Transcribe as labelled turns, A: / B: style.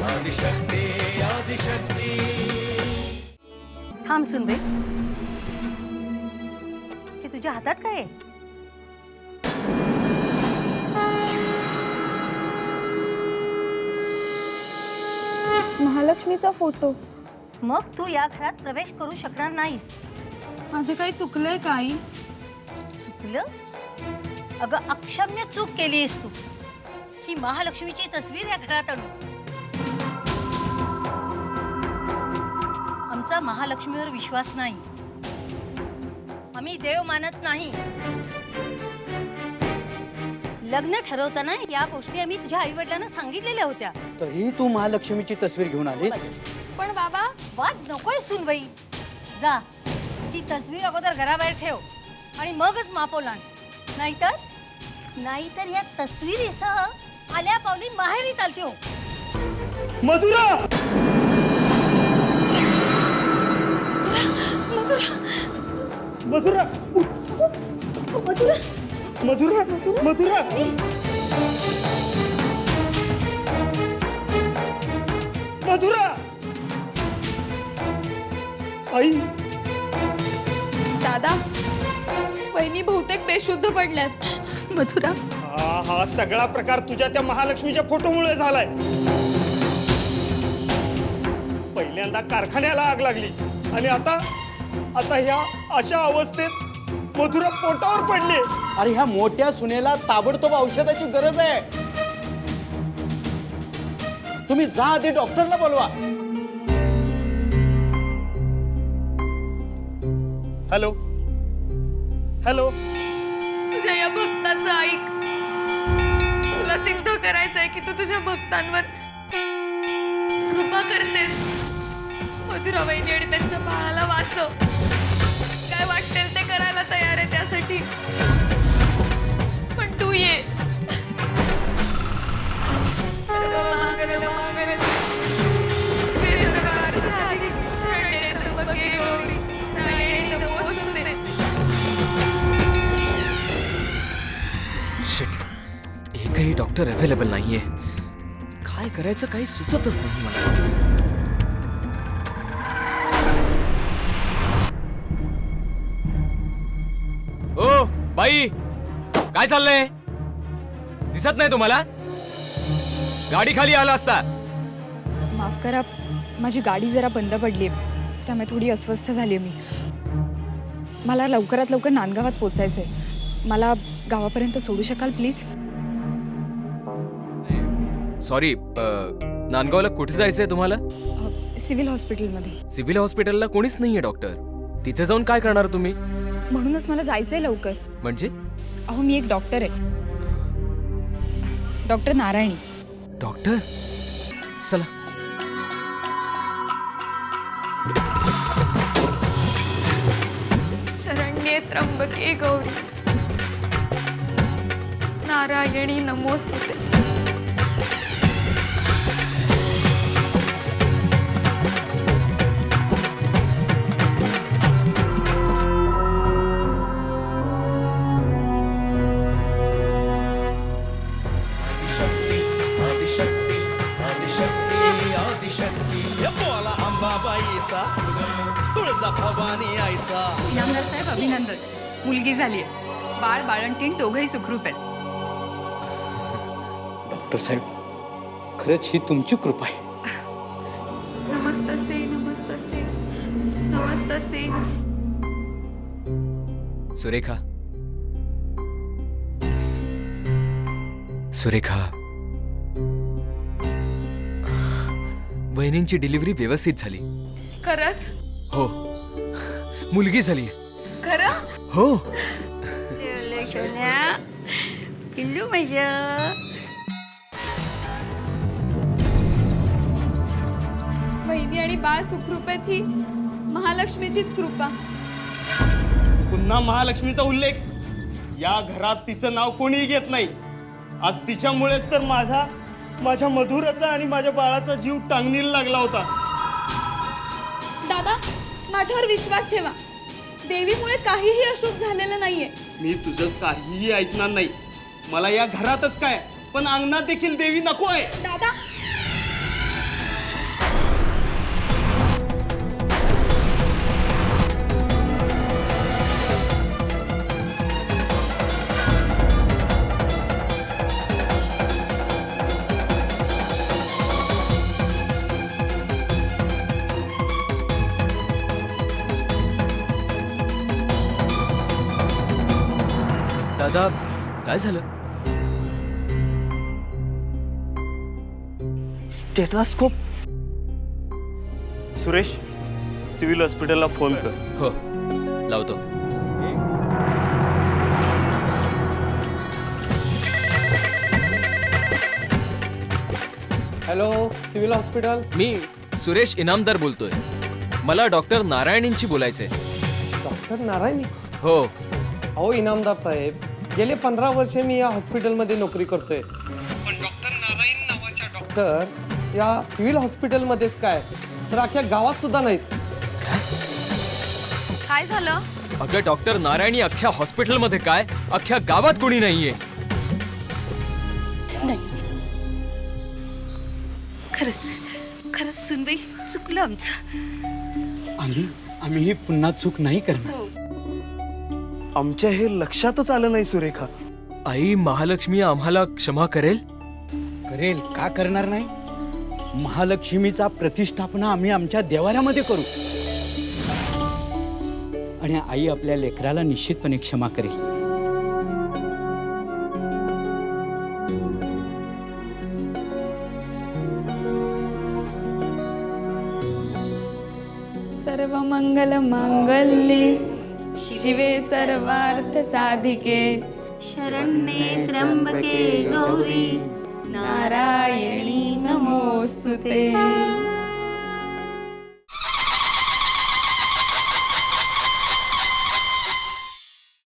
A: आदिशक्ती आदिशक्ती।
B: थांब सुनबे, हे तुझ्या हातात काय आहे?
C: महालक्ष्मीचा फोटो।
B: मग तू या घरात प्रवेश करू शकणार नाहीस।
C: माझे काही चुकलंय का आई?
B: चुकलं? अगं अक्षम्य चूक केलीस तू। ही महालक्ष्मीची तस्वीर या घरात आणू। आमचा महालक्ष्मीवर विश्वास नाही, आम्ही देव मानत नाही। लग्न ठरवताना या गोष्टी आम्ही तुझ्या आई वडिलांना सांगितलेल्या होत्या।
D: तरी तू महालक्ष्मीची तस्वीर घेऊन आलीस?
C: पण बाबा,
B: वाद नकोय सुनबाई। जा, ती तस्वीर अगोदर घराबाहेर ठेव आणि मगच मापो लाण। नाहीतर या तस्वीरीसह आल्या पावली माहेरी चालते हो।
D: मधुरा! मधुरा! मधुरा! मधुरा! मधुरा! मधुरा! आई!
C: दादा, वहिनी बहुतेक बेशुद्ध पडल्यात।
B: मधुरा,
D: हा सगळा प्रकार तुझ्या त्या महालक्ष्मीच्या फोटोमुळे झालाय। पहिल्यांदा कारखान्याला आग लागली आणि आता ह्या अशा अवस्थेत मधुरा पोटावर पडली। अरे ह्या मोठ्या सुनेला ताबडतोब औषधाची गरज आहे। तुम्ही जा आधी डॉक्टरला बोलवा। हॅलो हॅलो,
C: तुझ्या या भक्ताचं ऐक। तुला सिद्ध करायचंय की तू तुझ्या भक्तांवर कृपा करतेस। मधुरा वहिनी आणि त्यांच्या बाळाला वाचव। काय वाटेल ते करायला तयार आहे त्यासाठी, पण तू ये।
E: शिट, एकही डॉक्टर अवेलेबल नाहीये। काय करायचं काही सुचतच नाही मला। ओ बाई, काय चाललंय? दिसत नाही तुम्हाला? गाडी खाली आला असता।
C: माफ करा, माझी गाडी जरा बंद पडली, त्यामुळे थोडी अस्वस्थ झाली मी। मला लवकरात लवकर नांदगावात पोचायचंय। मला गावापर्यंत सोडू शकाल प्लीज?
E: सॉरी, नांदगावला कुठे जायचंय तुम्हाला?
C: सिव्हिल हॉस्पिटलमध्ये।
E: सिव्हिल हॉस्पिटलला कोणीच नाहीये डॉक्टर। तिथे जाऊन काय करणार तुम्ही?
C: म्हणूनच मला जायचंय लवकर।
E: म्हणजे?
C: अहो, मी एक डॉक्टर आहे, डॉक्टर नारायणी।
E: डॉक्टर? चला।
C: शरण्ये त्र्यंबके गौरी नारायणी नमोस्तुते।
A: आदिशक्ती आदिशक्ती आदिशक्ती। बोला अंबाबाईचा, तुळजा भवानी आईचा।
C: इनामदार साहेब, अभिनंदन, मुलगी झालीये। बाळ बाळंतीण दोघंही सुखरूप आहेत।
D: डॉक्टर साहेब, खरंच ही तुमची कृपा आहे।
C: नमस्तसे नमस्तसे नमस्तसे।
E: सुरेखा, सुरेखा, बहिणींची डिलिव्हरी व्यवस्थित झाली।
C: खरंच?
E: हो, मुलगी झाली।
C: खरं?
E: हो।
B: पिल्लू माझं।
C: बहिणी आणि बाळ सुखरूप आहेत ही महालक्ष्मीचीच कृपा।
D: पुन्हा महालक्ष्मीचा उल्लेख। या घरात तिचं नाव कोणीही घेत नाही। आज तिच्यामुळेच तर माझ्या मधुराचा आणि माझ्या बाळाचा जीव टांगणीला लागला होता।
C: दादा, माझ्यावर विश्वास ठेवा। देवीमुळे काहीही अशुभ झालेलं नाहीये।
D: मी तुझं काहीही ऐकणार नाही। मला या घरातच काय, पण अंगणात देखील देवी नको आहे।
C: दादा,
E: दादा काय झालं?
D: स्टेथोस्कोप. सुरेश, सिव्हिल हॉस्पिटलला फोन कर.
E: हो लावतो.
F: Hello, civil hospital.
E: मी सुरेश इनामदार बोलतोय. मला डॉक्टर नारायणींशी बोलायचंय.
F: डॉक्टर नारायणी.
E: हो.
F: अहो इनामदार साहेब, गेले 15 वर्षे मी या हॉस्पिटलमध्ये नोकरी करतोय. पण डॉक्टर नारायण नावाच्या डॉक्टर या सिव्हिल हॉस्पिटलमध्येच काय तर अख्ख्या गावात सुद्धा नाहीत.
C: काय झालं?
E: अगं डॉक्टर नारायणी अख्ख्या हॉस्पिटलमध्ये काय अख्ख्या गावात कोणी नाहीये.
B: खरंच खरंच सुनबाई, चुकलं आमचं.
G: आम्ही ही पुन्हा चूक नाही करणार.
D: आमच्या हे लक्षातच आलं नाही सुरेखा.
E: आई महालक्ष्मी आम्हाला क्षमा करेल.
G: करेल का करणार नाही. महालक्ष्मीचा प्रतिष्ठापना आम्ही आमच्या देवाऱ्यामध्ये करू आणि आई आपल्या लेकराला निश्चितपणे क्षमा करेल.
C: सर्व मंगल मांगल्ये शिवे सर्वार्थ साधिके
B: शरण्ये त्र्यंबके गौरी
C: नारायणी नमोस्तुते.